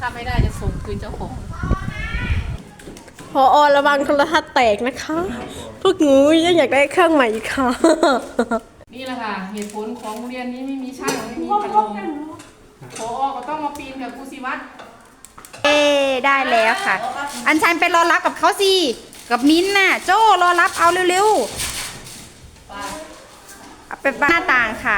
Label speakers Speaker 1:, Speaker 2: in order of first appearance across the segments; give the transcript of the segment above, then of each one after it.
Speaker 1: ถ้าไม่ได้จะส่งคืนเจ้าของ
Speaker 2: พอระวังโทรทัศน์แตกนะคะ พวกหนูยังอยากได้เครื่องใหม่อีกค่ะ
Speaker 1: นี่แหละค่ะเหตุผลของโรงเรียนนี้ไม่มีช่างไม่มีพัดลมพอก็ต้องมาปีนกับครูศิวัตร
Speaker 3: ได้แล้วค่ะ อัญชันไปรอรับกับเขาสิกับมิ้นท์น่ะโจ้รอรับเอาเร็วๆเอาไปหน้าต่างค่ะ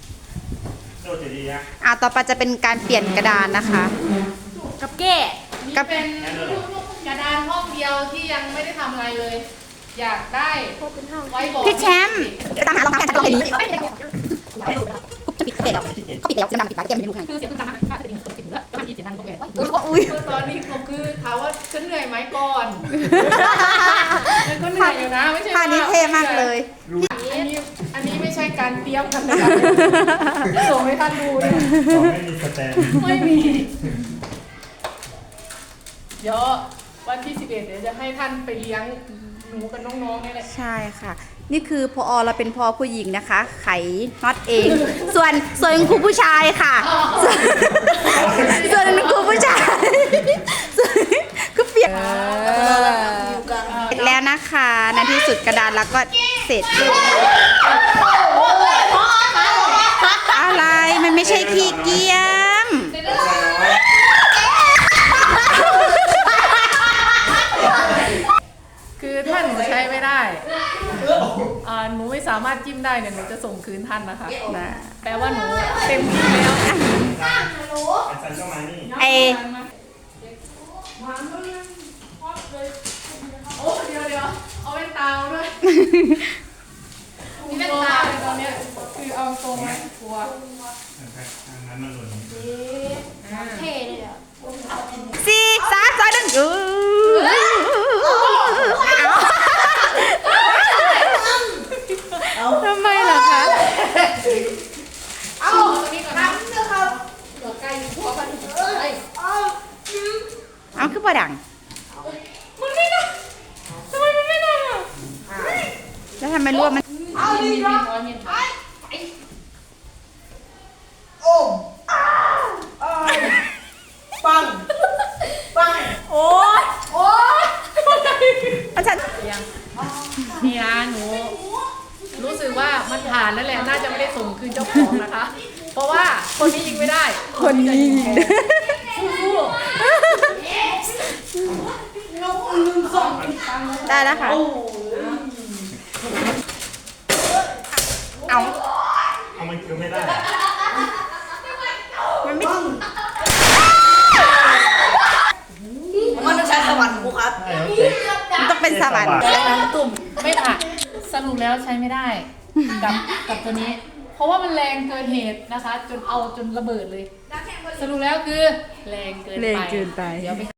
Speaker 3: ต่อไปจะเป็นการเปลี่ยนกระดานนะคะ กับแก้
Speaker 1: นี่เป็นกระดานห้องเดียวที่ยังไม่ได้ทำอะไรเลย อยากได้ไว้บอก
Speaker 3: พี่แชมป์ตามหารองเท้ากันตลอดเลยจะปิดแล้วเขาปิดแล้วจะนำปิดไว้แก้ไม่รู้ไง
Speaker 1: คือเสียงตึ้งตังค์ค่าจะดิ่งติดแล้วมันมีเสียงดังตรงไหน
Speaker 3: อุ้ย
Speaker 1: ตอนนี้ก็คือถามว่าฉันเหนื่อยไหมก่อนมันก็เหนื่อยอยู่นะไม่ใช่
Speaker 3: ท่านี้เท่มากเลย
Speaker 1: อันนี้ไม่ใช่การเตรียมกันนะคะส่งให้ท่านดูเนี่ย
Speaker 4: ไม่มีสแตน
Speaker 1: ไม่มี เดี๋ยววันที่11เดี๋ยวจะให้ท่านไปเลี้ยงหนูกับน้องๆนี่แหละ
Speaker 3: ใช่ค่ะ นี่คือพอเราเป็นพอผู้หญิงนะคะ ไขน็อตเอง ส่วนครูผู้ชายค่ะส่วนครูผู้ชายก็เปลี่ยนเสร็จแล้วนะคะในที่สุดกระดานแล้วก็เสร็จอะไรมันไม่ใช่ขี้เกียม
Speaker 1: คือถ้าหนูใช้ไม่ได้หนูไม่สามารถจิ้มได้เนี่ยหนูจะส่งคืนท่านนะคะแปลว่าหนูเต็มที่แล้ว
Speaker 4: อาจารย์ก็มานี่
Speaker 3: ไอ
Speaker 1: โอ้เดี๋ยวเอาแว่นตาด้วยมีแว่นตาเลยตอนเนี้ยคือเอาตรงไหมกลัว
Speaker 4: งั้นมันหล่น
Speaker 3: สี่สามสองหนึ่งทำไมล่ะคะ
Speaker 1: เอาตรงนี้ก่อนนะหัวไก่หัวกันไอ้
Speaker 3: เอาคือประดัง
Speaker 1: มันไม่ได้ทำไมมันไม่ได้อะ
Speaker 3: แล้วทำไมรั่วมัน
Speaker 1: มีหัวเห็นไหม
Speaker 3: อาจารย์
Speaker 1: ยังนี่นะหนูรู้สึกว่ามันผ่านแล้วแหละน่าจะไม่ได้ส่งคืนเจ้าของนะคะ เพราะว่าคนนี้ยิงไม่ได้คนนี้ยิงสู้
Speaker 3: ได้แล้วค่ะ เอา
Speaker 4: เอามันคือไม่ได้
Speaker 3: มันไม่
Speaker 5: มันต้องใช้สวรรค์ครูครับ
Speaker 4: ใช่แล้วเจ๊
Speaker 3: มันต้องเป็นสวรรค์
Speaker 1: ไม่ผ่านสรุปแล้วใช้ไม่ได้กับตัวนี้ เพราะว่ามันแรงเกินเหตุนะคะ จนระเบิดเลย สรุปแล้วคือแรงเกินไปเดี๋ยวไป